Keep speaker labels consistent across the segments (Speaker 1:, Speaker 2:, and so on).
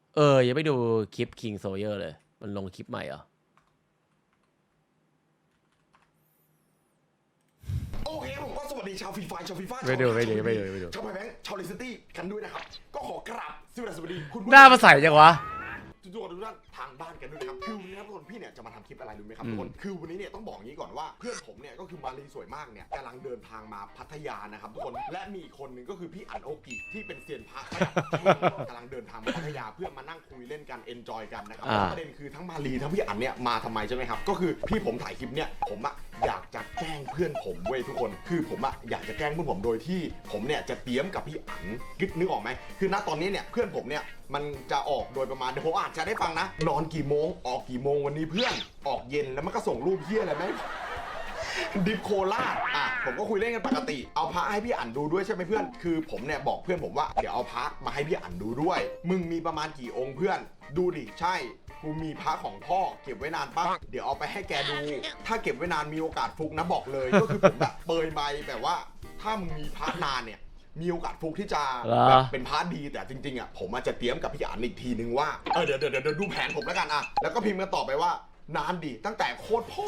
Speaker 1: ยังไม่ดูคลิป King Sawyer เลยมันลงคลิปใหม่เหรอ
Speaker 2: โอเคผมก็สวัสดีชาวฟรีไฟชาวฟรีไฟ
Speaker 1: ไม่ดู
Speaker 2: ชาวไพแบงค์ชาวเลสตี้กันด้วยนะครับก็ขอกราบสวัสดีคุณ
Speaker 1: หน้ามาใส่จังวะ
Speaker 2: ทุกท่านทางบ้านกันด้วยนะครับคือวันนี้ครับทุกคนพี่เนี่ยจะมาทำคลิปอะไรรู้ไหมครับทุกคนคือวันนี้เนี่ยต้องบอกงี้ก่อนว่าเพื่อนผมเนี่ยก็คือมาลีสวยมากเนี่ยกำลังเดินทางมาพัทยานะครับทุกคนและมีอีกคนหนึ่งก็คือพี่อั๋นโอกิที่เป็นเซียนพระกำลังเดินทางมาพัทยาเพื่อมานั่งคุยเล่นกันเอนจอยกันนะครับประเด็นคือทั้งมาลีทั้งพี่อั๋นเนี่ยมาทำไมใช่ไหมครับก็คือพี่ผมถ่ายคลิปเนี่ยผมอะอยากจะแกล้งเพื่อนผมเว้ยทุกคนคือผมอะอยากจะแกล้งเพื่อนผมโดยที่ผมเนี่ยจะเตรียมกับพี่อั๋นนึกออกไหมคือณตอนนี้เนี่ยเพื่อนผมเนี่ยมันจะออกโดยประมาณเดี๋ยวผมอาจจะได้ฟังนะนอนกี่โมงออกกี่โมงวันนี้เพื่อนออกเย็นแล้วมันก็ส่งรูปเฮี้ยอะไรไหมดิฟโคล่าผมก็คุยเล่นกันปกติเอาพระให้พี่อั๋นดูด้วยใช่ไหมเพื่อนคือผมเนี่ยบอกเพื่อนผมว่าเดี๋ยวเอาพระมาให้พี่อั๋นดูด้วยมึงมีประมาณกี่องค์เพื่อนดูดิใช่กูมีพระของพ่อเก็บไว้นานปะเดี๋ยวเอาไปให้แกดูถ้าเก็บไว้นานมีโอกาสฟุกนะบอกเลยก็คือผมแบบเปยใบแบบว่าถ้ามึงมีพระนานเนี่ยมีโอกาสฟุกที่จะแบบเป็นพาร์ทดีแต่จริงๆอ่ะผมอาจจะเตรียมกับพี่อั๋นอีกทีนึงว่าเดี๋ยวดูแผนผมแล้วกันอ่ะแล้วก็พิมพ์กันต่อไปว่านานดีตั้งแต่โคตรพ่อ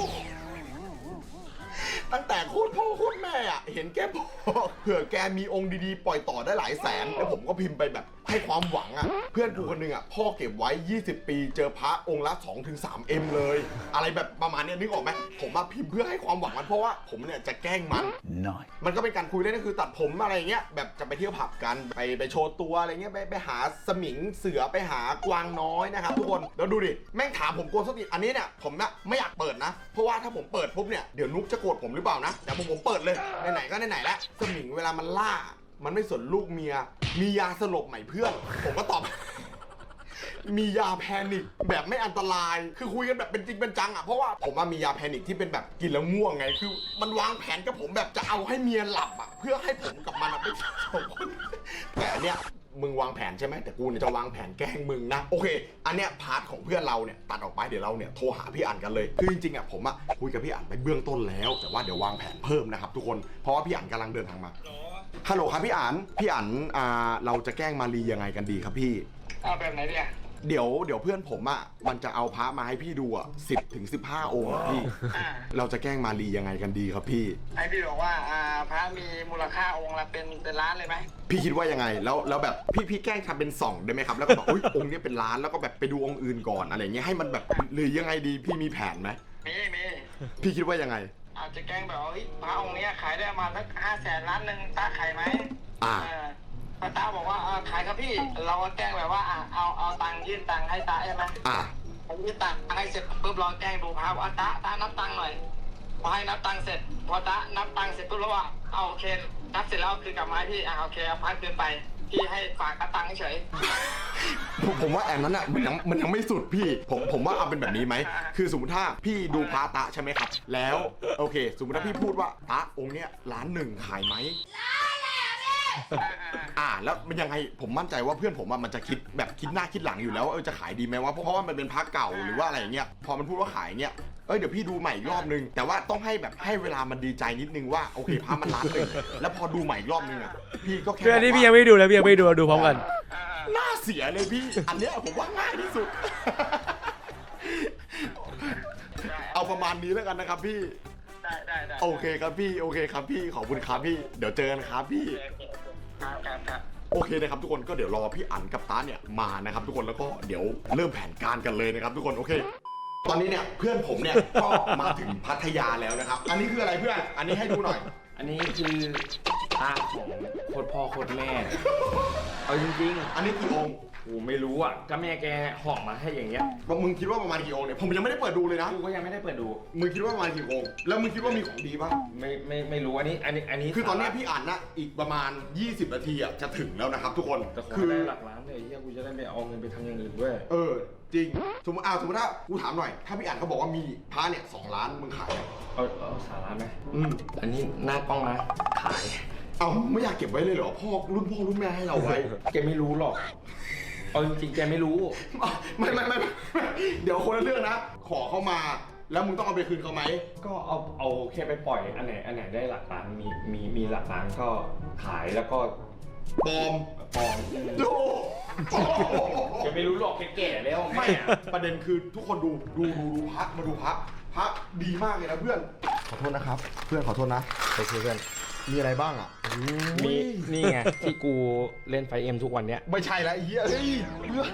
Speaker 2: ตั้งแต่โคตรพ่อโคตรแม่อ่ะเห็นแกบอกเผื่อแกมีองค์ดีๆปล่อยต่อได้หลายแสนแล้วผมก็พิมพ์ไปแบบให้ความหวังอ่ะเพื่อนกูคนนึงอ่ะพ่อเก็บไว้20ปีเจอพระองค์ละ 2-3M เลยอะไรแบบประมาณนี้นึกออกไหมผมมาพิมพ์เพื่อให้ความหวังมันเพราะว่าผมเนี่ยจะแกล้งมันก็เป็นการคุยเล่นก็คือตัดผมอะไรเงี้ยแบบจะไปเที่ยวผับกันไปโชว์ตัวอะไรเงี้ยไปหาสมิงเสือไปหากวางน้อยนะครับทุกคนแล้วดูดิแม่งถามผมโกนสติอันนี้เนี่ยผมนะไม่อยากเปิดนะเพราะว่าถ้าผมเปิดปุ๊บเนี่ยเดี๋ยวนุ๊กจะโกรธผมหรือเปล่านะแต่ผมเปิดเลยไหนๆก็ไหนๆแล้วสมิงเวลามันล่ามันไม่สนลูกเมียมียาสลบใหม่เพื่อนผมก็ตอบมียาแพนิคแบบไม่อันตรายคือคุยกันแบบเป็นจริงเป็นจังอ่ะเพราะว่าผมมียาแพนิคที่เป็นแบบกินแล้วง่วงไงคือมันวางแผนกับผมแบบจะเอาให้เมียหลับอ่ะเพื่อให้ผมกับมันไปสองคนแต่อันเนี้ยมึงวางแผนใช่ไหมแต่กูเนี่ยจะวางแผนแกล้งมึงนะโอเคอันเนี้ยพาร์ทของเพื่อนเราเนี่ยตัดออกไปเดี๋ยวเราเนี่ยโทรหาพี่อั๋นกันเลยคือจริงๆอ่ะผมคุยกับพี่อั๋นไปเบื้องต้นแล้วแต่ว่าเดี๋ยววางแผนเพิ่มนะครับทุกคนเพราะว่าพี่อั๋นกำลังเดินทางมาฮัลโหลครับพี่อั๋นเราจะแกล้งมารียังไงกันดีครับพี่
Speaker 3: เอาแบบไหนเนี่ย
Speaker 2: เดี๋ยวเพื่อนผมมันจะเอาพระมาให้พี่ดู10-15 องค์พี่เราจะแกล้งมารียังไงกันดีครับพี่
Speaker 3: ให้พี่บอกว่าพระมีมูลค่าองค์ละเป็นล้านเลยไหม
Speaker 2: พี่คิดว่ายังไงแล้วแบบพี่แกล้งทำเป็น2ได้ไหมครับแล้วก็บอกอุ้ยองค์นี้เป็นล้านแล้วก็แบบไปดูองค์อื่นก่อนอะไรเงี้ยให้มันแบบหรือยังไงดีพี่มีแผนไหม
Speaker 3: มี
Speaker 2: พี่คิดว่ายังไง
Speaker 3: อาจจะแกล้งแบบว่าพระองค์นี้ขายได้มาสัก500,000 ล้านนึงตาขายไหมพระตาบอกว่าขายครับพี่เราก็แกล้งแบบว่าเอาตังค์ยื่นตังค์ให้ตาใช่ไหมยื่นตังค์ให้เสร็จปุ๊บเราแกล้งดูพระว่าตานับตังค์หน่อยพอให้นับตังค์เสร็จพอตานับตังค์เสร็จปุ๊บแล้วว่าเอาโอเคนับเสร็จแล้วคือกลับมาให้พี่โอเคเอาพักคืนไปพี่ให้ฝากตังค์เฉย
Speaker 2: ผมว่าแอนนั้นอ่ะมันยังไม่สุดพี่ผมว่าเอาเป็นแบบนี้ไหมคือสมมติถ้าพี่ดูพระตะใช่ไหมครับแล้วโอเคสมมติถ้าพี่พูดว่าตะองค์เนี้ย1,000,000ขายไหมแล้วมันยังไงผมมั่นใจว่าเพื่อนผมมันจะคิดหน้าคิดหลังอยู่แล้วว่าจะขายดีไหมว่าเพราะว่ามันเป็นพระเก่าหรือว่าอะไรเงี้ยพอมันพูดว่าขายเงี้ยเดี๋ยวพี่ดูใหม่อีกรอบนึงแต่ว่าต้องให้เวลามันดีใจนิดนึงว่าโอเคพระมัน1,000,000แล้วพอดูใหม่อีกรอบนึงพี่ก็แค่
Speaker 1: อันนี้พี่ยังไม่ดูแล้วพี่ยังไม่ดูดูพร้อมกัน
Speaker 2: น่าเสียเลยพี่อันเนี้ยผมว่าง่ายที่สุดเอาประมาณนี้แล้วกันนะครับพี่
Speaker 3: ได้
Speaker 2: โอเคครับพี่ขอบคุณครับพี่เดี๋ยวเจอกันครับพี่โอเคนะครับทุกคนก็เดี๋ยวรอพี่อั๋นกับตาเนี่ยมานะครับทุกคนแล้วก็เดี๋ยวเริ่มแผนการกันเลยนะครับทุกคนโอเคตอนนี้เนี่ยเพื่อนผมเนี่ยก็มาถึงพัทยาแล้วนะครับอันนี้คืออะไรเพื่อนอันนี้ให้ดูหน่อย
Speaker 4: อันนี้คือตาของโคตรพ่อโคตรแม่เอาจริง
Speaker 2: ๆอันนี้กี่องค์
Speaker 4: กูไม่รู้อ่ะก็แม่แกห่อมาให้อย่างเงี้ย
Speaker 2: มึงคิดว่าประมาณกี่องค์เนี่ยผมยังไม่ได้เปิดดูเลยนะ
Speaker 4: กูก็ยังไม่ได้เปิดดู
Speaker 2: มึงคิดว่าประมาณกี่องค์แล้วมึงคิดว่ามีของดีป่ะ
Speaker 4: ไม่รู้อันนี้
Speaker 2: คือตอนนี้พี่อ่านนะอีกประมาณ20 นาทีจะถึงแล้วนะครับทุกคน
Speaker 4: คือได้หลักล้านเลยเฮียกูจะได้ไปเอาเงินไปทำอย่างอื่นด้วย
Speaker 2: จริงสมมติถ้ากูถามหน่อยถ้าพี่อ่านเขาบอกว่ามีพระเนี่ย2 ล้านมึงขาย
Speaker 4: เอา3 ล้านไหมอันนี้หน้ากล้องนะขาย
Speaker 2: ไม่อยากเก็บไว้เลยเหรอพ่อรุ่นแม่ให้เราไว้
Speaker 4: แกไม่รู้หรอกเอาจริงๆแกไม่รู้
Speaker 2: ไม่เดี๋ยวคนละเรื่องนะขอเข้ามาแล้วมึงต้องเอาไปคืนเขาไหม
Speaker 4: ก็เอาแค่ไปปล่อยอันไหนได้หลักล้านมีหลักล้านก็ขายแล้วก็
Speaker 2: ปลอม
Speaker 4: ดูแกจะไม่รู้หรอกแก่ๆแล้ว
Speaker 2: ไม่อะประเด็นคือทุกคนดูพระมาดูพระดีมากเลยนะเพื่อนขอโทษนะครับ เพื่อนขอโทษนะ
Speaker 4: ไปคุยกัน
Speaker 2: มีอะไรบ้างอ่ะ
Speaker 4: มีนี่ไงที่กูเล่นไฟเอ็มทุกวันเนี้ย
Speaker 2: ไม่ใช่แล้วไอ้เหี้ยเฮ้ยเพื่อน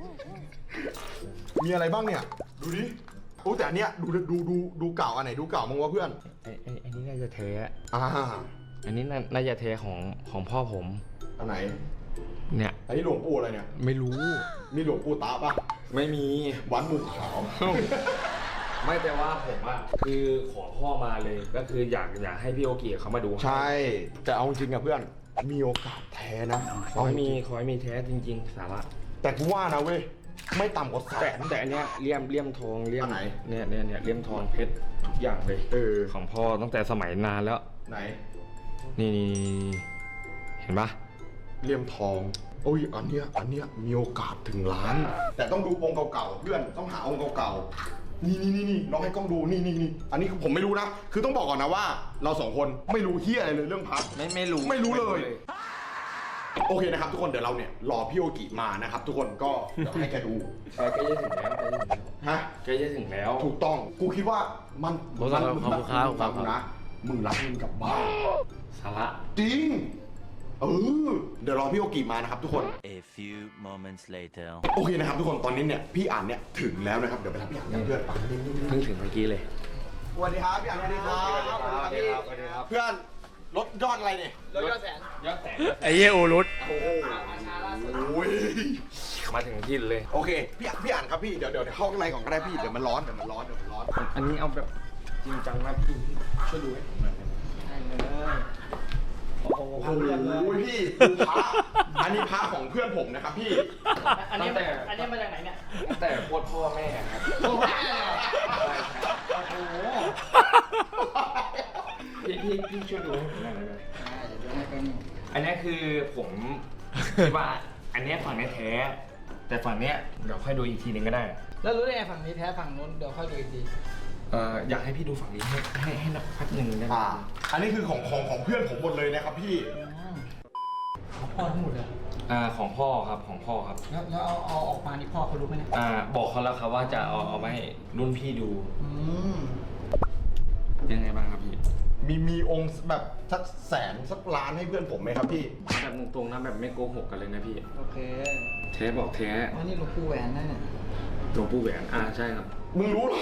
Speaker 2: มีอะไรบ้างเนี่ยดูดิโอ้แต่อันเนี้ยดูเก่าอันไหนดูเก่ามั้งวะเพื่อน
Speaker 4: ไอ้นี่น่าจะเทอะ
Speaker 2: อัน
Speaker 4: นี้น่าจะเทของพ่อผม
Speaker 2: อันไหน
Speaker 4: เนี่ย
Speaker 2: อันนี้หลวงปู่อะไรเนี่ย
Speaker 4: ไม่รู้
Speaker 2: มีหลวงปู่ตาปะ
Speaker 4: ไม่มี
Speaker 2: วัดหมู่ขาว
Speaker 4: ไม่แต่ว่าผมอะคือขอพ่อมาเลยก็คืออยากให้พี่โอเกีเขามาดู
Speaker 2: ใช่ แต่เอาจริงอะเพื่อนมีโอกาสแท้นะ
Speaker 4: ขอให้มีแท้จริงๆสาระ
Speaker 2: แต่กูว่านะเว้ยไม่ต่ำกว่าแสน
Speaker 4: แต่อันเนี้ยเลี่ยมทองเลี่ยม
Speaker 2: อันไหน
Speaker 4: เนี่ยเลี่ยมทองเพชรทุกอย่างเลยของพ่อตั้งแต่สมัยนานแล้ว
Speaker 2: ไหน
Speaker 4: นี่เห็นปะ
Speaker 2: เลี่ยมทองโอ้ยอันเนี้ยมีโอกาสถึงล้าน แต่ต้องดูองค์เก่าๆเพื่อนต้องหาองค์เก่าๆนี่น้องให้กล้องดูนี่อันนี้ผมไม่รู้นะคือต้องบอกก่อนนะว่า เราสองคนไม่รู้เฮียอะไรเลยเรื่องพัด
Speaker 4: ไม่รู้
Speaker 2: ไม่รู้เลย โอเคนะครับทุกคนเดี๋ยวเราเนี่ยรอพี่โอกิมานะครับทุกคนก็เดี๋ยวให้แกดู
Speaker 4: ใกล้จะถึงแล้ว
Speaker 2: ฮะ
Speaker 4: ใกล้จะถึงแล้ว
Speaker 2: ถูกต้องกูคิดว่ามัน
Speaker 1: ขอบคุณครับ
Speaker 2: ฟังกูนะมึงรับเงินกลับบ้าน
Speaker 4: สาระ
Speaker 2: จริงเดี๋ยวรอพี่โอกิมานะครับทุกคน
Speaker 5: A few moments later
Speaker 2: โอเคนะครับทุกคนตอนนี้เนี่ยพี่อ่านเนี่ยถึงแล้วนะครับเดี๋ยวไปรับพี่อ่านกันเพื่อนไป
Speaker 4: เพิ่งถึงเมื่อกี้เลย
Speaker 2: สวัสดีครับพี่อ่านสวัสดีครับเพื่อนรถยอดอะไรเนี่ย
Speaker 3: รถยอดแสน
Speaker 4: ยอดแสน
Speaker 1: ไอ้เหี้ยอูรุต
Speaker 2: โอ้โห
Speaker 3: มาช้าล่าสุด
Speaker 4: มาถึงที่เลย
Speaker 2: โอเคพี่อ่านครับพี่เดี๋ยวเข้าข้างในก่อนก็ได้พี่เดี๋ยวมันร้อน
Speaker 4: อันนี้เอาแบบจริงจังนะพี่ช่วยดูให้ผมหน่อยได้ไหม
Speaker 3: ใช่เลยโอ้โห
Speaker 2: โอ้โหพี่ดูพระอันนี้พระของเพื่อนผมนะครับพี่
Speaker 3: อันนี้มาจากไหนเนี่ย
Speaker 4: ตั้งแต่โคตรพ่อแม่ครับ
Speaker 3: โอ้โห โอ้โห
Speaker 4: พี่ช่วยดูให้ผมหน่อยได้ไหม
Speaker 3: เดี๋ยวให้เป็น
Speaker 4: อันนี้คือผมคิดว่าอันนี้ฝั่งนี้แท้ แต่ฝั่งเนี้ยเดี๋ยวค่อยดูอีกทีนึงก็ได้
Speaker 3: แล้วรู้ได้ไงฝั่งนี้แท้ฝั่งนู้นเดี๋ยวค่อยดูอีกที
Speaker 4: อยากให้พี่ดูฝั่งนี้ให้นักพักหนึ่งได้ไหม
Speaker 2: อันนี้คือของเพื่อนผมหมดเลยนะครับพี่
Speaker 3: พ่อทั้งหมดเลย
Speaker 4: ของพ่อครับของพ่อครับ
Speaker 3: แล้วเอาออกมานี่พ่อเขารู้ไหมเนี่ย
Speaker 4: บอกเขาแล้วครับว่าจะเอาไปให้รุ่นพี่ดู
Speaker 3: ม
Speaker 4: เป็นไงบ้างครับพี่
Speaker 2: มีองค์แบบสักแสนสักล้านให้เพื่อนผมไหมครับพี่
Speaker 4: แบบตรงๆนะแบบไม่โกหกกันเลยนะพี่
Speaker 3: โอเค
Speaker 4: เทบอกเท
Speaker 3: อ๋อนี่หลวงปู่แหวนนั่นเนี่ย
Speaker 4: หลวงปู่แหวนใช่ครับ
Speaker 2: มึงรู้เหรอ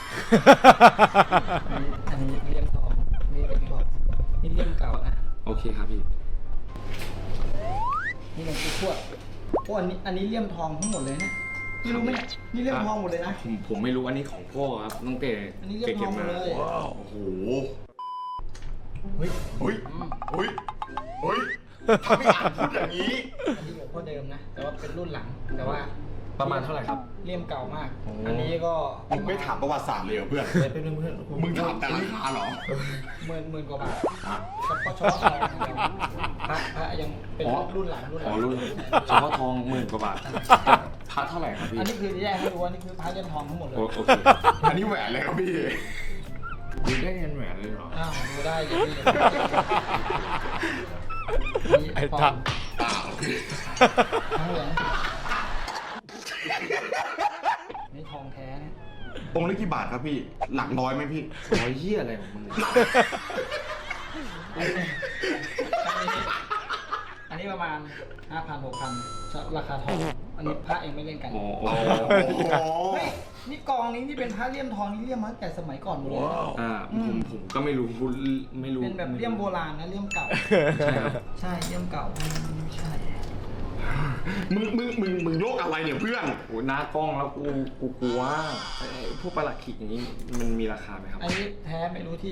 Speaker 3: อันนี้เลี่ยมทองนี่เลี่ยมทองนี่เลี่ยมเก่านะ
Speaker 4: โอเคครับพี่
Speaker 3: นี่หลวงปู่ทวดโอ้อันนี้เลี่ยมทองทั้งหมดเลยเนี่ยพี่รู้ไหมเนี่ยนี่เลี่ยมทองหมดเลยนะ
Speaker 4: ผมไม่รู้อันนี้ของพ่อครับตั้งแต่
Speaker 3: อันนี้เลี่ยมทองหมดเลย
Speaker 2: โอ้โหเฮ้ยถ้าพี่อ่านพูดอย่างนี้
Speaker 3: อันนี้หลวงพ่อเดิมนะ แต่ว่าเป็นรุ่นหลัง แต่ว่า
Speaker 4: ประมาณเท่าไหร่ครับ
Speaker 3: เลี่ยมเก่ามาก
Speaker 4: โอ้
Speaker 3: อันนี้ก็
Speaker 2: มึงไม่ถามประวัติศาสตร์เลยเหรอเพื่อน
Speaker 4: เป็นเพื่อน
Speaker 2: มึงถามแต่ราคาเหรอ
Speaker 3: หมื่นกว่าบาท
Speaker 2: อ่ะ
Speaker 3: เฉพาะทองอย่างเดียวพระยังเป็นรุ่นหลัง
Speaker 4: อ๋อรุ่นเฉพาะทอง10,000 กว่าบาทพระเท่าไหร่ครับพี่
Speaker 3: อันนี้คือแยกให้ดูว่านี่คือพระเลี่ยมทองทั้งหมดเลย
Speaker 4: โอเค
Speaker 2: อันนี้แหวนเลยครับพี่
Speaker 4: ดูได้เงินแหวนเลยเหรอ
Speaker 3: อ้าวดูได้อย่างนี้
Speaker 1: ไอ้
Speaker 3: ท
Speaker 1: ทั
Speaker 3: อง
Speaker 1: ก
Speaker 2: โอเค
Speaker 3: ทั้งเหลืองนี่ทองแท้เนี่ย
Speaker 2: องค์ละกี่บาทครับพี่ หลักร้อยไหมพี่
Speaker 4: เหี้ยอะไรของมึงเนี่ย
Speaker 3: อันนี้ประมาณ 5,000 6,000ราคาทอง อันนี้พระเองไม่เล่นกัน
Speaker 4: โอ้โห
Speaker 3: เฮ้ยนี่กองนี้นี่เป็นพระเลี่ยมทองนี่เลี่ยมมาตั้งแต่สมัยก่อนหมดเลยนะ
Speaker 4: ผมก็ไม่รู้ไม่รู้
Speaker 3: เป็นแบบเลี่ยมโบราณนะเลี่ยมเก่า
Speaker 4: ใช่ครับ
Speaker 3: ใช่เลี่ยมเก่าไม่ใช่
Speaker 2: มึงโยกอะไรเนี่ยเพื่อน
Speaker 4: โหหน้ากล้องแล้วกูกลัวไอ้พวกประหลัดขิกอย่างนี้มันมีราคาไหมครับ
Speaker 3: อันนี้แท้ไม่รู้ที่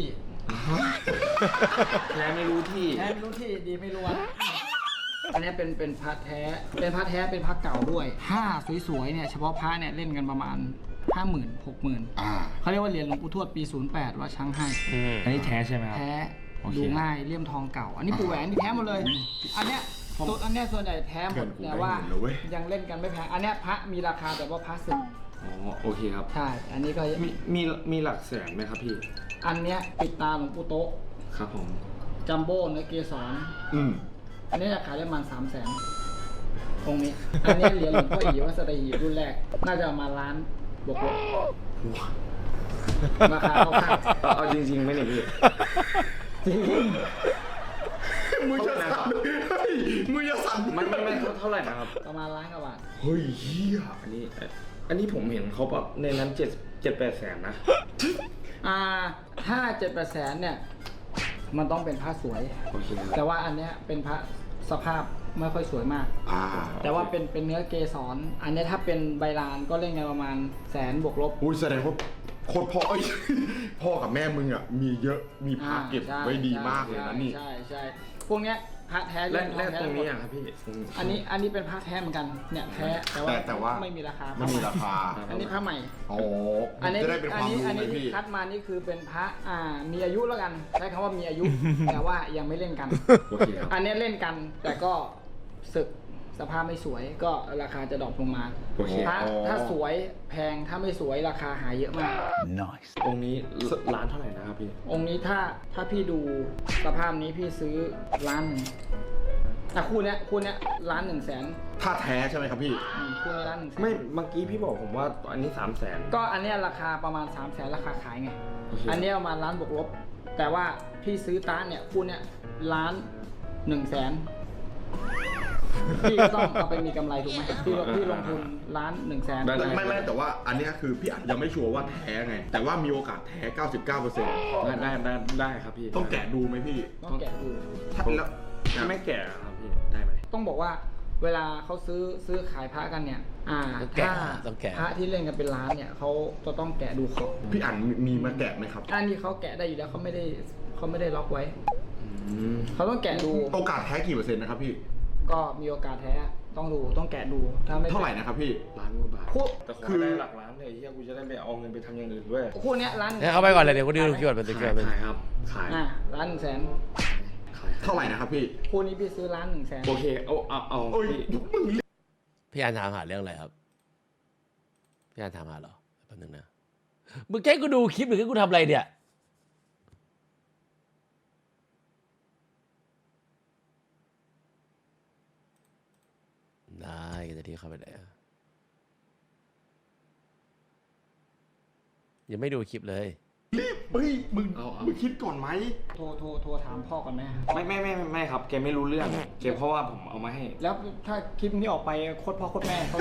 Speaker 4: แท้ไม่รู้ที่
Speaker 3: แท้ไม่รู้ที่ดีไม่รู้วันอันนี้เป็นพระแท้ เป็นพระแท้เป็นพระเก่าด้วยผ้าสวยๆเนี่ยเฉพาะพระเนี่ยเล่นกันประมาณ 50,000 60,000เขาเรียกว่าเหรียญหลวงปู่ทวดปี 08 ว่าช้างให้
Speaker 4: อันนี้แท้ใช่ไหมครับ
Speaker 3: แท้
Speaker 4: โอเค
Speaker 3: ดูง่ายเลี่ยมทองเก่า อันนี้ปู่แหวนนี่แท้หมดเลย อันเนี้ยอันเนี้ยส่วนใหญ่แท้หมดแต่ว่ายังเล่นกันไม่แพงอันเนี้ยพระมีราคาแต่ว่าพระสึก
Speaker 4: อ๋อโอเคครับ
Speaker 3: ใช่อันนี้ก็
Speaker 4: มีหลักแสนไหมครับพี่
Speaker 3: อันเนี้ยปิดตาหลวงปู่โต๊ะ
Speaker 4: ครับผม
Speaker 3: จัมโบ้เนื้อเกสร
Speaker 2: อืม
Speaker 3: อันนี้จะขายได้ประมาณ300,000
Speaker 6: องค์นี้ อันนี้เหรียญหลวงพ่ออีวัดสัตหีบรุ่นแรก น่าจะประมาณล้านบวกลบราคาเข้าข้าง
Speaker 4: เอาจริงๆไหมเนี่ยพี่
Speaker 6: จริง
Speaker 2: มึงจะสั่นเฮ้ยมึงจะสั่น
Speaker 4: มันเท่าไหร่นะครับ
Speaker 6: ประมาณล้านกว่าบาท
Speaker 2: เฮ้ยเฮีย
Speaker 4: อันนี้ผมเห็นเขาแบบในนั้น7-8 แสนนะ
Speaker 6: ถ้า7-8 แสนเนี่ยมันต้องเป็นพระสวย
Speaker 4: โอเคครับ
Speaker 6: แต่ว่าอันเนี้ยเป็นพระสภาพไม่ค่อยสวยมาก แต่ว่าเป็นเนื้อเกสร อันเนี้ยถ้าเป็นใบลานก็เล่นกันประมาณ100,000บวกลบ
Speaker 2: อุ้ยแสดงว่าโคตรพ่อเอ้ยพ่อกับแม่มึงอ่ะมีเยอะมีพระเก็บไว้ดีมากเลยนะนี่
Speaker 6: ใช่พวกเนี้ยพระแท้
Speaker 4: และ
Speaker 6: เล่น
Speaker 4: ตรงนี้อะครับพี่
Speaker 6: อันนี้เป็นพระแท้เหมือนกันเนี่ยแท้แต่ว่าไม่มีราคา
Speaker 2: ไม่มีราคา
Speaker 6: อันนี้พระใหม่
Speaker 2: อ๋อ
Speaker 6: อันนี้
Speaker 2: จะได้เป็นความรู้
Speaker 6: อัน
Speaker 2: ไหม
Speaker 6: นี้ที่
Speaker 2: พี่
Speaker 6: คัดมานี่คือเป็นพระมีอายุแล้วกัน ใช้คำว่ามีอายุ แต่ว่ายังไม่เล่นกัน
Speaker 4: โอเคครับ
Speaker 6: อันนี้เล่นกันแต่ก็ศึกสภาพไม่สวยก็ราคาจะดรอปลงมา
Speaker 4: โอเค
Speaker 6: พระถ้าสวยแพงถ้าไม่สวยราคาหายเยอะมาก
Speaker 4: องค์นี้ร้านเท่าไหร่นะครับพี่
Speaker 6: องค์นี้ถ้าพี่ดูสภาพนี้พี่ซื้อล้านหนึ่งคู่เนี้ย1,100,000
Speaker 2: ถ้าแท้ใช่ไหมครับพี่
Speaker 6: คู่นี้1,100,000
Speaker 4: ไม่เมื่อกี้พี่บอกผมว่าอันนี้3 แสน
Speaker 6: ก็อันเนี้ยราคาประมาณ300,000ราคาขายไง
Speaker 4: โอเค
Speaker 6: อันเนี้ยประมาณล้านบวกลบ แต่ว่าพี่ซื้อต้านเนี่ยคู่เนี้ย1,100,000พี่ก็ต้องเอาไปมีกำไรถูกไหมพี่ลงทุน1,100,000
Speaker 2: ไม่แต่ว่าอันเนี้ยคือพี่อาจยังไม่ชัวร์ว่าแท้ไง แต่ว่ามีโอกาสแท้ 99%
Speaker 4: ได้ครับพี่
Speaker 2: ต้องแกะดูไหมพี่
Speaker 6: ต้องแกะดู
Speaker 2: ถ้าแล้ว
Speaker 4: ถ้าไม่แก่ครับพี่ได้ไหม
Speaker 6: ต้องบอกว่าเวลาเขาซื้อขายพระกันเนี่ยถ้า
Speaker 1: ต้องแกะ
Speaker 6: พระที่เล่นกันเป็นล้านเนี่ยเขาจะต้องแกะดูของ
Speaker 2: พี่อันมีมาแกะไหมครับ
Speaker 6: อันนี้เขาแกะได้อยู่แล้วเขาไม่ได้ล็อกไว้ เขาต้องแกะดู
Speaker 2: โอกาสแท้กี่เปอร์เซ็นต์นะครับพี่
Speaker 6: ก็มีโอกาสแท้ต้องแกะดูถ้าไม่
Speaker 2: เท่าไหร่นะครับพี่
Speaker 4: ล้านกว่าบาท
Speaker 6: คู่
Speaker 4: แต่ขอได้หลักล้านเลยเฮียกูจะได้ไปเอาเงินไปทำอย่างอื่นด้วย
Speaker 6: คู่เนี้ยล้าน
Speaker 1: ให้เข้าไปก่อนเลยเดี๋ยวกูดูคิวเป็นตัวคิวเป็น
Speaker 4: ขายครับขาย
Speaker 6: 1,100,000
Speaker 4: ขาย
Speaker 2: เท่าไหร่นะครับพี่
Speaker 6: คู่นี้พี่ซื้อ1,100,000
Speaker 4: โอเคเอา
Speaker 2: โอ้ย
Speaker 4: พี่
Speaker 1: พี่อันถามหาเรื่องอะไรครับ พี่อันถามหาเหรอแป๊บนึงนะ มึงแค่กูดูคลิปหรือแค่กูทำอะไรเนี่ย ได้จะที่เข้าไปไหนอะยังไม่ดูคลิปเลย
Speaker 2: รีบเฮ้ยมึงคิดก่อนไหม
Speaker 6: โทรถามพ่อก่อนไหม
Speaker 4: ไม่ครับแกไม่รู้เรื่องแกเพราะว่าผมเอามาให้
Speaker 6: แล้วถ้าคลิปนี้ออกไปโคตรพ่อโคตรแม่เขา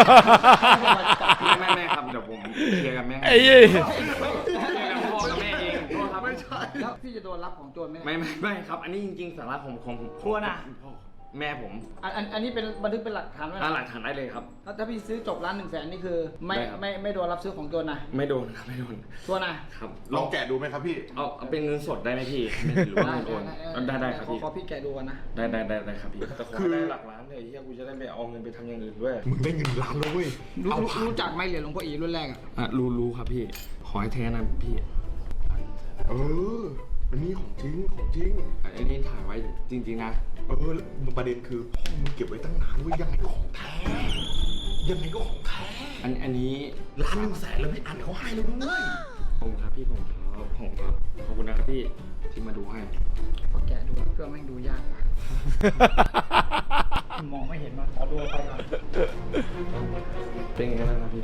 Speaker 4: ไม่ครับเดี๋ยวผมเคลียร์กับแม่
Speaker 1: ไอ้ยี่
Speaker 4: เคลียร์กับพ่อกับแม่เองโทษครับ
Speaker 2: ไม่ใช่
Speaker 6: แล้วพี่จะโดนรับของโจรไหมเนี่ย
Speaker 4: ไม่ครับ อันนี้จริงๆสาระของผม
Speaker 6: กลัวนะ
Speaker 4: พ่อแม่ผม
Speaker 6: อันนี้เป็นบันทึกเป็นหลักฐานไว้นะ
Speaker 4: หลักฐานได้เลยครับ
Speaker 6: ถ้าพี่ซื้อจบ1,100,000นี่คือไม่
Speaker 4: ได้ครับ
Speaker 6: ไม่โดนรับซื้อของโจรนะ
Speaker 4: ไม่โดนครับไม่โดน
Speaker 6: ตัวนะ
Speaker 4: ครับ
Speaker 2: ลองแกะดูไหมครับพี่
Speaker 4: เอาเป็นเงินสดได้ไหมพี่ไม่หรือว่าเงินโอนได้ครับพี่
Speaker 6: ขอพี่แกะดูก่อนนะ
Speaker 4: ได้ครับพี่แต่ขอได้หลักล้านเลยเฮียกูจะได้ไปเอาเงินไปทำอย่างอื่นด้วย
Speaker 2: มึงได้เงินล้านแล้วเว้ย
Speaker 6: รู้จักไหมเหรียญหลวงพ่ออีรุ่นแรกอ่ะ
Speaker 4: รู้ครับพี่ขอให้แท้นะพี่
Speaker 2: เอออันนี้ของจริงของจริง
Speaker 4: อันนี้ถ่ายไว้จริงๆนะ
Speaker 2: ประเด็นคือพ่อมึงเก็บไว้ตั้งนานเว้ยยังไงก็ของแท้ ยังไงก็ของแท้
Speaker 4: อันนี้
Speaker 2: 1,100,000แล้วพี่อันเขาให้แล้วด้วย
Speaker 4: ผมครับพี่ผมครับขอบคุณนะครับพี่ที่มาดูให้
Speaker 6: พอแกะดูเครื่องแม่งดูยากว่ะ มองไม่เห็นมาขอดูไปก่อน
Speaker 4: เป็นไงบ้างครับพี่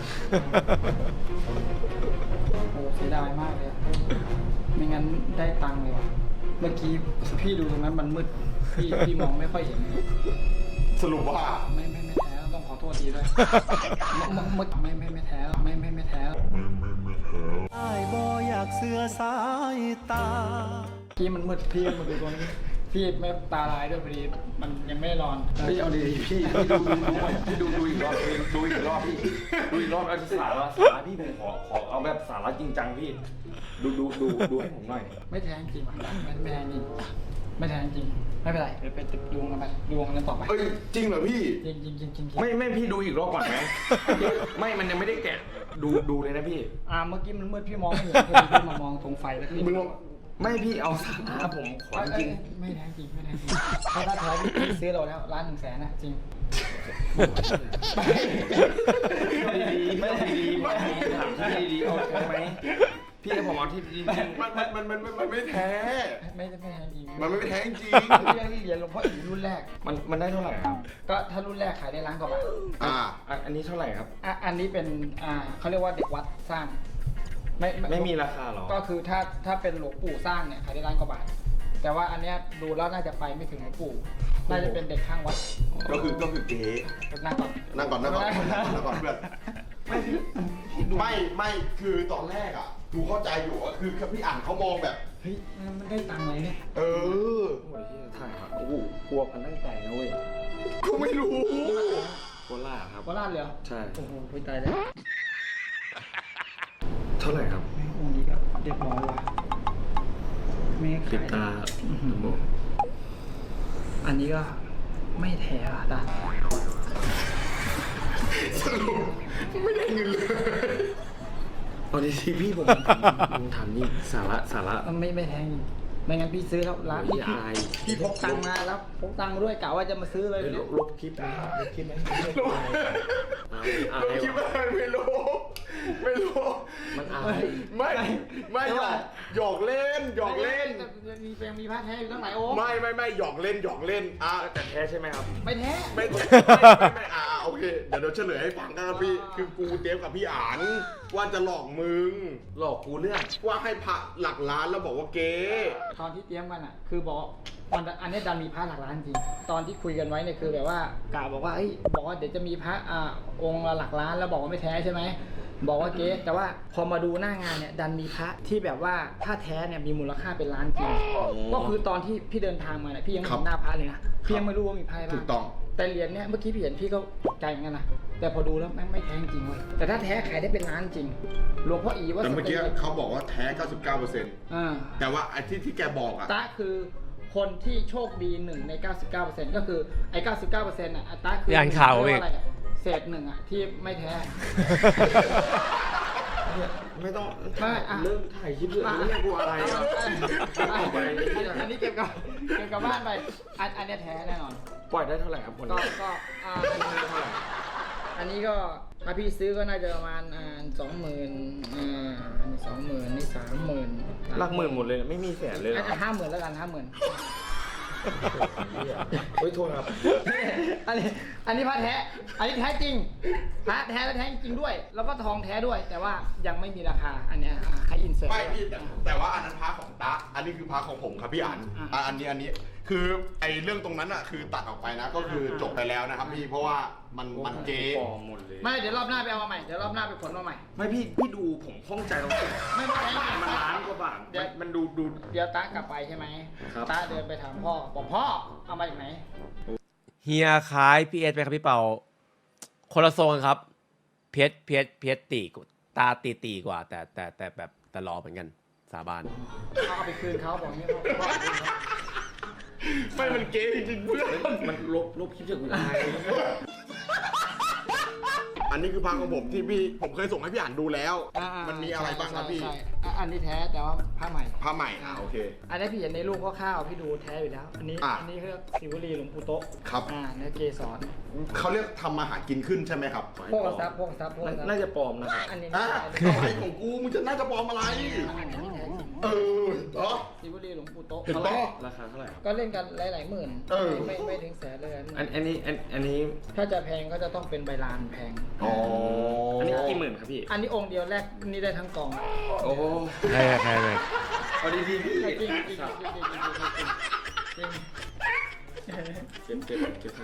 Speaker 6: โอ้เสียดายมากเลยอะไม่งั้นได้ตังค์เลยว่ะเมื่อกี้พี่ดูตรงนั้นมันมืดพี่มองไม่ค่อยเห็น
Speaker 2: สรุปว่า
Speaker 6: ไม่แท้ต้องขอโทษทีด้วยไม่แท้ไม่แท้
Speaker 7: อ้ายบ่อยากเสือสายตา
Speaker 6: กี้มันมืดพี่มาดูตรงนี้พี่ไม่ตาลายด้วยพอดีมันยังไม่ได้นอน
Speaker 4: พี่เอาดีๆพี่ดูอีกรอบพี่ดูอีกรอบเอาสาระพี่ผมขอเอาแบบสาระจริงจังพี่ดูให้ผมหน่อย
Speaker 6: ไม่แท้จริงว่ะไม่แท้จริงไม่แท้จริงไม่เป็นไรเดี๋ยวไปดวงกันไปดวงกันต่อไป
Speaker 2: เอ้ยจริงเหรอพี่
Speaker 6: จริง
Speaker 4: ไม่พี่ดูอีกรอบก่อนไหมไม่มันยังไม่ได้แกะดูเลยนะพี่
Speaker 6: เมื่อกี้มันมืดพี่มองไม่เห็นพอดีพี่มามองตรงไฟแล้วพี่
Speaker 2: มึงลอง
Speaker 4: ไม่พี่เอาสาระผมขอจริง
Speaker 6: ไม่แท้จริงถ้าแท้พี่ซื้อเราแล้ว1,100,000นะจริง
Speaker 4: ดีๆถามพี่ดีๆเอาใช่ไหมพี่พี่ให้ผมเอาที่
Speaker 2: มันไม่แท้
Speaker 6: ไม่แท้จริง
Speaker 2: มันไม่แท้จริง
Speaker 6: พี่เหรียญหลวงพ่ออีรุ่นแรก
Speaker 4: มันได้เท่าไหร่ครับ
Speaker 6: ก็ถ้ารุ่นแรกขายได้ล้านกว่าบาท
Speaker 4: อันนี้เท่าไหร่ครับ
Speaker 6: อันนี้เป็นเขาเรียกว่าเด็กวัดสร้าง
Speaker 4: ไม่มีราคาหรอ
Speaker 6: ก็คือถ้าเป็นหลวงปู่สร้างเนี่ยขายได้ล้านกว่าบาท แต่ว่าอันเนี้ยดูแล้วน่าจะไปไม่ถึงหลวงปู่ น่าจะเป็นเด็กข้างวัด
Speaker 2: ก็คือเก๋
Speaker 6: นั่งก่อน
Speaker 2: นั่งก่อนเพื่อนไม่คือตอนแรกอ่ะกูเข้าใจอยู่ว่าคือพี่อ่านเขามองแบบ
Speaker 6: เฮ้ยมันได้ตังค์อะไรเนี่ย
Speaker 2: เออ
Speaker 4: โอ้ยถ่ายครับโอ้โหกลัวพันตั้งใจนะเว้ย
Speaker 2: กูไม่รู้
Speaker 4: โคราชครับ
Speaker 6: โคราชเลยเหรอ
Speaker 4: ใช่
Speaker 6: โอ้โหไปตายแล้ว
Speaker 4: เท่าไหร่ครับ
Speaker 6: แม่งองค์นี้ก็เรียบร้อยว่ะแม่ขาย
Speaker 4: ปิดตา
Speaker 6: อันนี้ก็ไม่แท้อ่ะตา
Speaker 2: สรุปไม่ได้เงินเลย
Speaker 4: เอาดีสิพี่ผมถามนี่สาระ
Speaker 6: ไม่แท้จริงไม่งั้นพี่ซื้อแล้วร้าน
Speaker 4: โอ้ยอาย
Speaker 6: พี่พกตังค์มาแล้วพกตังค์มาด้วยกะว่าจะมาซื้อเลยเนี่ย
Speaker 4: ลบคลิปนะลบคลิปไหมอาย
Speaker 2: คิดว่าไม่รู้
Speaker 4: มันอาย
Speaker 2: ไม่หยอกเล่น
Speaker 6: มีแปลงมีผ้าแท้อยู่ตั้งหลายองค์
Speaker 2: ไม่หยอกเล่น
Speaker 4: แต่แท้ใช่ไหมครับ
Speaker 6: ไม่แท้
Speaker 2: ไม่โอเคเดี๋ยวเฉลยให้ฟังกันพี่คือกูเตรียมกับพี่อ่านว่าจะหลอกมึง
Speaker 4: หลอกกูเรื่อง
Speaker 2: ว่าให้พระหลักล้านแล้วบอกว่าเก๊
Speaker 6: ตอนที่เตรียมกันอ่ะคือบอกอันนี้ดันมีพระหลักล้านจริงตอนที่คุยกันไว้เนี่ยคือแบบว่ากะบอกว่าบอกว่าเดี๋ยวจะมีพระองค์ละหลักล้านแล้วบอกว่าไม่แท้ใช่ไหมบอกว่าเก๊แต่ว่าพอมาดูหน้างานเนี่ยดันมีพระที่แบบว่าถ้าแท้เนี่ยมีมูลค่าเป็นล้านจริงก็คือตอนที่พี่เดินทางมาเนี่ยพี่ยังไม่เห็นหน้าพระเลยนะพี่ยังไม่รู้ว่ามีพระอะไร
Speaker 2: ถู
Speaker 6: บ้าก ง
Speaker 2: ต้อง
Speaker 6: แต่เหรียญเนี่ยเมื่อกี้พี่เห็นพี่ก็ตกใจเหมือนกันนะแต่พอดูแล้วแม่งไม่แท้จริงเว้ยแต่ถ้าแท้ขายได้เป็นล้านจริงหลวงพ่ออีว่า
Speaker 2: แต่เมื่อกี้เขาบอกว่าแท้ 99% แต่ว่าไอ้ที่แกบอกอะ
Speaker 6: ตาคือคนที่โชคดี1ใน 99%ก็คือไอ้ 99%อ่ะตาคือ
Speaker 1: อ่านข่าว
Speaker 6: เรี
Speaker 1: อี
Speaker 6: ย
Speaker 1: ก
Speaker 6: กว่าอะไรอะเศษหนึ่งอ่ะที่ไม่แท้
Speaker 4: ไม่ต้อง
Speaker 6: ไม่
Speaker 4: เริ่มถ่ายคลิปเลยไม่ได้กลัวอะไรอ่ะ
Speaker 6: อันนี้เก็บกับบ้านไปอันนี้แท้แน่นอน
Speaker 4: ปล่อยได้เท่าไหร่ครับคน
Speaker 6: ก็
Speaker 4: นี้
Speaker 6: ก็อันนี้ก็ถ้าพี่ซื้อก็น่าจะประมาณ20,000อันนี้20,000นี่30,000
Speaker 4: หลักหมื่นหมดเลยนะไม่มีแสนเลยเหรอ
Speaker 6: 50,000แล้วกัน50,000
Speaker 4: เฮ้ยโทษครับ
Speaker 6: อันนี้พระแท้ อันนี้แท้จริงพระแท้และแท้จริงด้วย แล้วก็ทองแท้ด้วย แต่ว่ายังไม่มีราคา อันเนี้ยให้อินเสิร์ต
Speaker 2: ไม่พี่แต่ว่าอันนั้นพระของตะอันนี้คือพระของผมครับพี่อ่านอันนี้คือไอ้เรื่องตรงนั้นอะคือตัดออกไปนะก็คือจบไปแล้วนะครับพี่เพราะว่ามันเก๊
Speaker 4: ปลอมหมดเลย
Speaker 6: ไม่เดี๋ยวรอบหน้าไปเอามาใหม่ เดี๋ยวรอบหน้าไปขนมาใหม่
Speaker 4: ไม่พี่ดูผมข้องใจตรงที่
Speaker 6: ไม่แท้
Speaker 4: มันล้านกว่าบาทมันดู
Speaker 6: เดี๋ยวตากลับไปใช่ไหม
Speaker 4: ครับ
Speaker 6: ตาเดินไปถามพ่อบอกพ่อเอามาจากไหน
Speaker 1: เฮียคล้ายพี่เอสไปครับพี่เปาคนละทรงกันครับเพชรตีตาตีกว่า แต่แบบแต่รอเหมือนกันสาบาน
Speaker 6: เอาไปคืนเขาบอกอย่างนี้พ่อเอาไปคืนเขา
Speaker 2: ไม่มันเก๊จริงๆเพื่อน
Speaker 4: มันลบคลิปจากกูอาย
Speaker 2: อันนี้คือพระของผมที่ผมเคยส่งให้พี่อ่านดูแล้ว มันมีอะไรบ้างครับพี่
Speaker 6: ใช่อันนี้แท้แต่ว่าผ้าใหม่
Speaker 2: พระใหม่โอเค
Speaker 6: อันนี้พี่เห็นในรูปคร่าวๆพี่ดูแท้อยู่แล้ว อันนี้
Speaker 2: อ่ะ
Speaker 6: อันนี้คือศิวลีหลวงปู่โต๊ะ
Speaker 2: ครับ
Speaker 6: เนื้อเกสร
Speaker 2: เขาเรียกทำมาหากินขึ้นใช่ไหมครับ
Speaker 6: พวกทรัพย์
Speaker 4: น่าจะปลอมนะครับ
Speaker 6: อันนี้
Speaker 2: อ่ะ
Speaker 6: แท้
Speaker 2: อะไรของกูมึงจะน่าจะปลอมอะไร
Speaker 6: อันนี้แท้จริง
Speaker 2: เหรอ
Speaker 6: ศิวลีหลวงปู่โต๊ะ
Speaker 2: เห็นปะ
Speaker 4: ราคาเท่าไหร่ครับ
Speaker 6: ก็เล่นกันหลายๆหมื่น ไม่ถึงแสนเลย
Speaker 4: อันนี้
Speaker 6: ถ้าจะแพงก็จะต้องเป็นใบลานแพง
Speaker 2: อ๋อ
Speaker 4: อันนี้กี่หมื่นครับพี่
Speaker 6: อันนี้องค์เดียวแรกนี่ได้ทั้งกอง
Speaker 4: โอ้
Speaker 1: ใช่เลย
Speaker 4: เอาดีๆพี่
Speaker 6: จริงจริงจริง
Speaker 4: เก็บทาง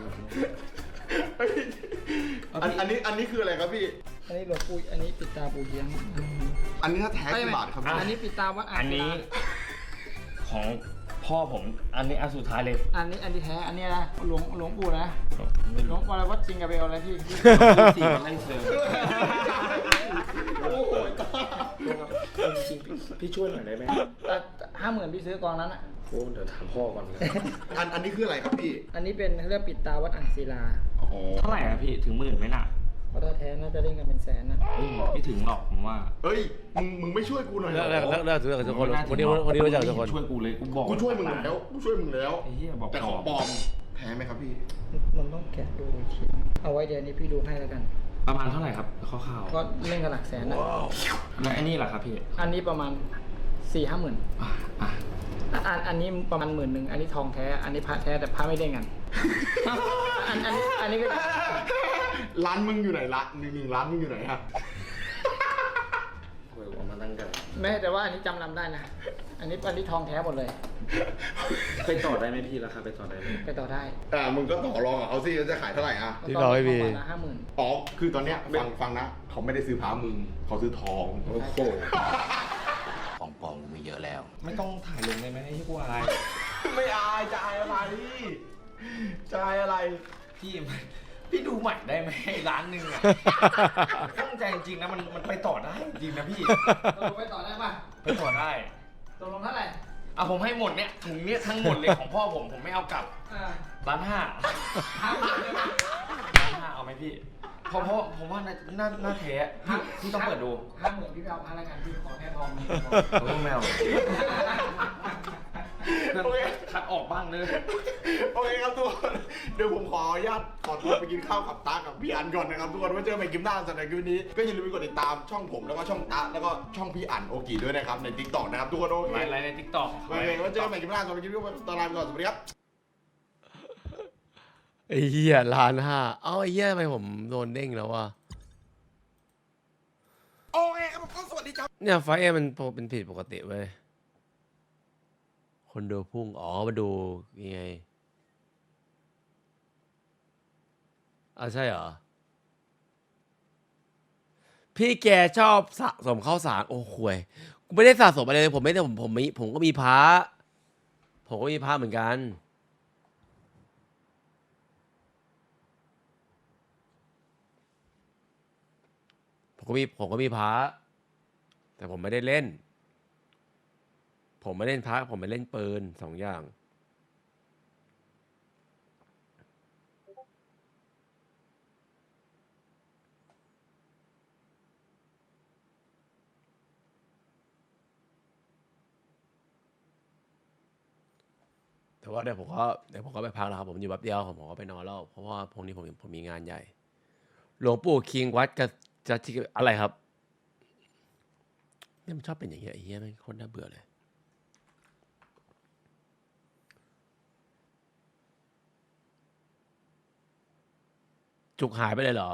Speaker 2: อันนี้คืออะไรครับพี่
Speaker 6: อันนี้หลวงปู่อันนี้ปิดตาปู่เยียง
Speaker 2: อันนี้ถ้าแท้กี่บาทครับพี่
Speaker 6: อันนี้ปิดตาวัด
Speaker 4: อันนี้ของพ่อผมอันนี้อันสุดท้ายเลย
Speaker 6: อันนี้แท้อันนี้นะหลวงปู่นะหลวงอะไรวัดจริงกับเบลอะไรที่
Speaker 4: สี่มันไล่เชิญ
Speaker 2: โอ้โห
Speaker 4: จริงพี่ช่วยหน่อยได้ไหม
Speaker 6: 50,000พี่ซื้อกองนั้นอ่ะ
Speaker 4: โอ้เดี๋ยวถามพ่อก่อนเลย
Speaker 2: อันนี้คืออะไรครับพี่
Speaker 6: อันนี้เป็นเรื่องปิดตาวัดอ่างศิลา
Speaker 2: อ๋อ
Speaker 4: เท่าไหร่อะพี่ถึงหมื่นไหมน่ะ
Speaker 6: เพราะถ้าแท้น่าจะเล่นกันเป็นแสนนะ
Speaker 4: ไม่ถึงหรอกผมว่า
Speaker 2: เอ้ยมึงไม่ช่วยกูหน่อยเหรอ
Speaker 1: เลิกทุกคนวันนี้รู้จักทุกคน
Speaker 4: ช่วยกูเลยกูบอก
Speaker 2: กูช่วยมึงแล้ว
Speaker 4: ไอ้เหี้ยบอก
Speaker 2: แต่ของปลอมแท้ไหมครับพี่
Speaker 6: มันต้องแกะดูอีกทีเอาไว้เดี๋ยวนี้พี่ดูให้แล้วกัน
Speaker 4: ประมาณเท่าไหร่ครับคร่าว
Speaker 6: ก็เล่นกันหลักแสนนะ
Speaker 4: ๆแล้วอันนี้ล่ะครับพี่
Speaker 6: อันนี้ประมาณ4-5 หมื่น
Speaker 4: อ่ะ
Speaker 6: อันนี้ประมาณ11,000อันนี้ทองแท้ อันนี้พระแท้แต่พระไม่เด้งกัน อันนี้ก็
Speaker 2: ร้านมึงอยู่ไหนละหนึ่งร้านมึงอยู่ไหนฮะ
Speaker 4: โอ้ยเอามาตั้งกัน
Speaker 6: แม้แต่ว่าอันนี้จำนำได้นะ อันนี้ทองแท้หมดเลย
Speaker 4: ไปต่อได้ไหมพี่ราคาไปต่อได้ไหม
Speaker 6: ไปต่อได้
Speaker 2: มึงก็ต่อรองกับเขาสิว่าจะขายเท่าไหร่อ่ะ
Speaker 1: พี่บอกไม่มี
Speaker 6: ประมาณ50,000
Speaker 2: อ๋อ คือตอนเนี้ยฟังนะ เขาไม่ได้ซื้อพามึง เขาซื้อทอง
Speaker 4: โอ้โห
Speaker 5: ของปลอมมีเยอะแล้ว
Speaker 4: ไม่ต้องถ่ายลงได้ไหมให้กูอาย
Speaker 2: ไม่อายจะอายอะไรจะอายอะไร
Speaker 4: พี่ดูใหม่ได้ไหมร้านหนึ่งอ่ะ ตั้งใจจริงๆนะมันไปต่อได้จริงนะพี่
Speaker 6: ตกลงไปต่อได้ป่ะ
Speaker 4: ไปต่อได้
Speaker 6: ตกลงเท่าไหร่
Speaker 4: เอาผมให้หมดเนี่ยถุงเนี้ยทั้งหมดเลยของพ่อผมไม่เอากลับ 1.5 ล้าน 1.5เอาไหมพี่เพราะผมว่าน่าแท้พี่ต้องเปิดดู
Speaker 6: 50,000พี่ไปเอาพาแล้วกันพี่ขอแค่ทอง
Speaker 4: โอ้แมวคัดออกบ้างเลย
Speaker 2: โอเคครับทุกคน เดี๋ยวผมขออนุญาตขอตัวไปกินข้าวกับตากับพี่อันก่อนนะครับทุกคนไว้เจอกันใหม่คลิปหน้าสำหรับคลิปนี้ก็อย่าลืมไปกดติดตามช่องผมแล้วก็ช่องตาแล้วก็ช่องพี่อันโอกิด้วยนะครับใน TikTok นะครับทุกคนโอเค
Speaker 4: ไลน์ใน TikTok
Speaker 2: โอเคไว้เจอกันใหม่คลิปหน้าสำหรับคลิปนี้ตอนลาไปก่อนสวัสดีครับ
Speaker 1: ไอ้เหี้ย1,500,000เอ้าไอ้เหี้ยทำไมผมโดนเด้งแล้ววะ
Speaker 2: โอเคครับผมก็สวัสดีครับ
Speaker 1: เนี่ยไฟเอ็มมันเป็นผิดปกติเว้ย คนดูพุ่ง อ๋อ มาดูยังไงใช่เหรอ พี่แกชอบสะสมข้าวสาร โอ้ห่วยกูไม่ได้สะสมอะไรเลย ผมไม่ได้ผมก็มีพระผมก็มีพระเหมือนกัน ผมก็มีพระแต่ผมไม่ได้เล่น ผมไม่เล่นพระผมไม่เล่นปืน2 อย่าง แต่ว่าเดี๋ยวผมก็ไปพักแล้วครับผมอยู่แป๊บเดียวผมก็ไปนอนแล้วเพราะว่าพรุ่งนี้ผมมีงานใหญ่ หลวงปู่คิงวัดกับจะอะไรครับเนี่ยมันชอบเป็นอย่างเงี้ยไอ้เหี้ยไม่งโคตรน่าเบื่อเลยจุกหายไปเลยเหรอ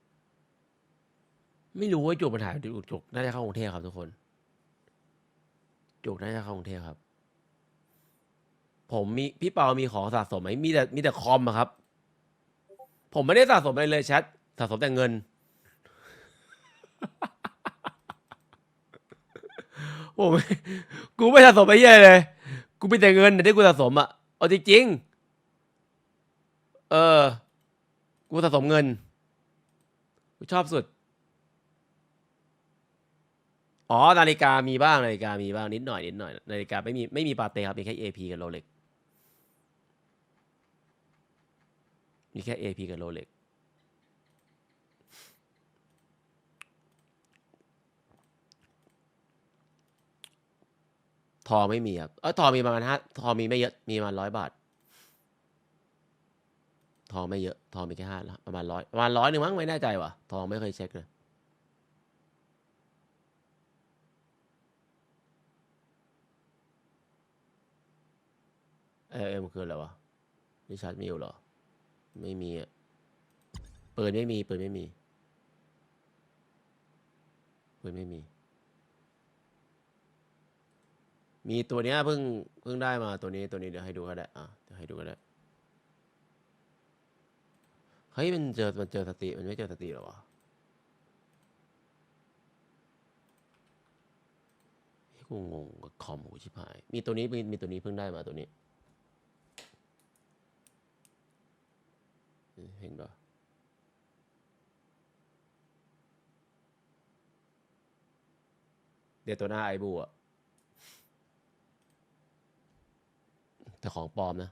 Speaker 1: ไม่รู้ว่าจุกมันหายไปจุกน่าจะเข้ากรุงเทพครับทุกคนจุกน่าจะเข้ากรุงเทพครับผมมีพี่เปามีของสะสมไหมมีแต่คอมอะครับ ผมไม่ได้สะสมอะไรเลยแชทสะสมแต่เงิน กูไม่สะสมอะไรเลย กูมีแต่เงินที่กูสะสมอ่ะเอาจริงๆกูสะสมเงินกูชอบสุดอ๋อนาฬิกามีบ้างนิดหน่อยนาฬิกาไม่มีปาเต้ครับมีแค่ AP กับโรเล็กมีแค่ AP กับโรเล็กทองไม่มีครับทองมีประมาณทองมีไม่เยอะมีประมาณ100 บาททองไม่เยอะทองมีแค่ประมาณ100นึงมั้งไม่แน่ใจว่ะทองไม่เคยเช็คเลยมันคืออะไรวะริชาร์ดมิลเหรอไม่มีอ่ะปืนไม่มีปืนไม่มีตัวเนี้ยเพิ่งได้มาตัวนี้เดี๋ยวให้ดูก็ได้เดี๋ยวให้ดูก็ได้เฮ้ยมันเจอสติมันไม่เจอสติหรอวะกูงงกับคอมหูชิบหายมีตัวนี้เพิ่งได้มาตัวนี้เห็นปะเดี๋ยวตัวหน้าไอบูอะแต่ของปลอมนะ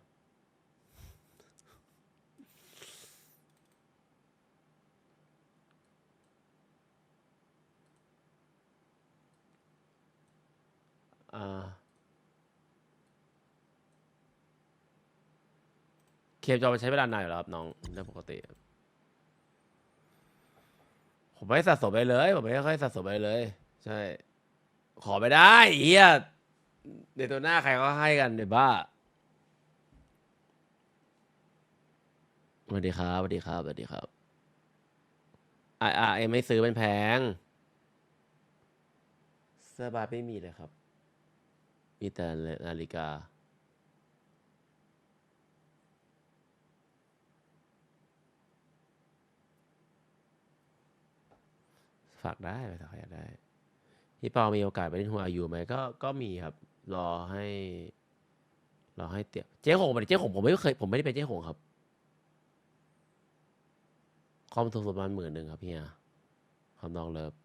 Speaker 1: เคมจอมันใช้เวลานานอยู่แล้วครับน้องเรื่องปกติผมไม่สะสมไปเลย ผมไม่ค่อยสะสมไปเลย ใช่ ขอไม่ได้เฮียเดี๋ยวตัวหน้าใครก็ให้กันเดี๋ยวบ้าสวัสดีครับสวัสดีครับสวัสดีครับเอ็มไม่ซื้อเป็นแพงเสื้อบาร์ไม่มีเลยครับ มีแต่นาฬิกาฝากได้ไปถ้าใครอยากได้พี่เปามีโอกาสไปเล่นหัวอายุไหมก็มีครับ รอให้เตี่ยเจ๊หงเจ๊หงผมไม่ได้เป็นเจ๊หงครับคอมถูกสุดประมาณ10,000ครับพี่คอมน้องเลิฟ